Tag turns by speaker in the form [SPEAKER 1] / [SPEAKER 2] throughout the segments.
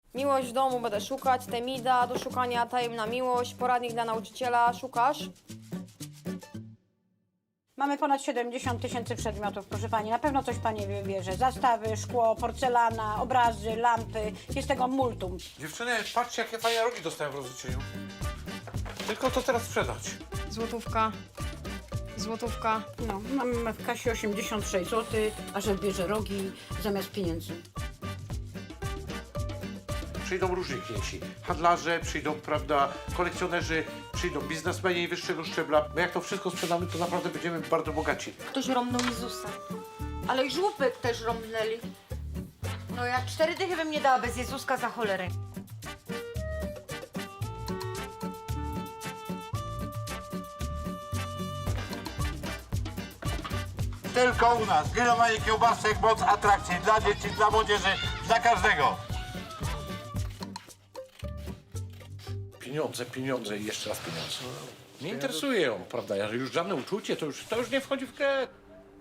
[SPEAKER 1] Miłość w domu będę szukać, Temida do szukania, tajemna miłość, poradnik dla nauczyciela, szukasz?
[SPEAKER 2] Mamy ponad 70 000 przedmiotów, proszę pani. Na pewno coś pani wybierze. Zastawy, szkło, porcelana, obrazy, lampy. Jest tego multum.
[SPEAKER 3] Dziewczyny, patrzcie, jakie fajne rogi dostałem w rozliczeniu. Tylko to teraz sprzedać.
[SPEAKER 1] Złotówka. Złotówka.
[SPEAKER 2] No, mamy w kasie 86 zł, a że bierze rogi zamiast pieniędzy.
[SPEAKER 3] Przyjdą różni klienci. Handlarze, przyjdą, prawda, kolekcjonerzy, przyjdą biznesmeni wyższego szczebla. My jak to wszystko sprzedamy, to naprawdę będziemy bardzo bogaci.
[SPEAKER 4] Ktoś romnął Jezusa. Ale i żłóbek też romnęli. No ja 4 dychy bym nie dała bez Jezuska za cholerę.
[SPEAKER 5] Tylko u nas. Grillowanie kiełbasek, moc atrakcji dla dzieci, dla młodzieży, dla każdego.
[SPEAKER 3] Pieniądze, pieniądze i jeszcze raz pieniądze. Nie interesuje ją, prawda? Już żadne uczucie, to już nie wchodzi w grę.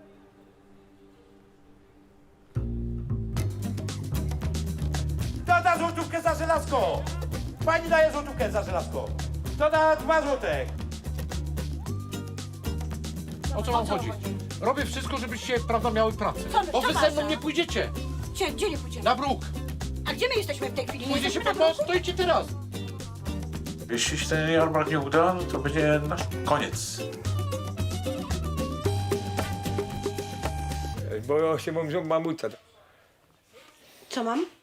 [SPEAKER 5] Kto da złotówkę za żelazko? Pani daje złotówkę za żelazko. Kto da 2 złotek?
[SPEAKER 3] O co wam chodzi? Robię wszystko, żebyście, prawda, miały pracę. Bo wy ze mną nie pójdziecie.
[SPEAKER 2] Gdzie nie pójdziemy?
[SPEAKER 3] Na bruk.
[SPEAKER 2] A gdzie my jesteśmy w tej chwili?
[SPEAKER 3] Pójdziecie
[SPEAKER 2] Jesteśmy
[SPEAKER 3] po
[SPEAKER 2] na
[SPEAKER 3] prostu, stoicie teraz. Jeśli się ten jarmark nie uda, no to będzie nasz koniec.
[SPEAKER 6] Bo się mam mamuta.
[SPEAKER 2] Co mam?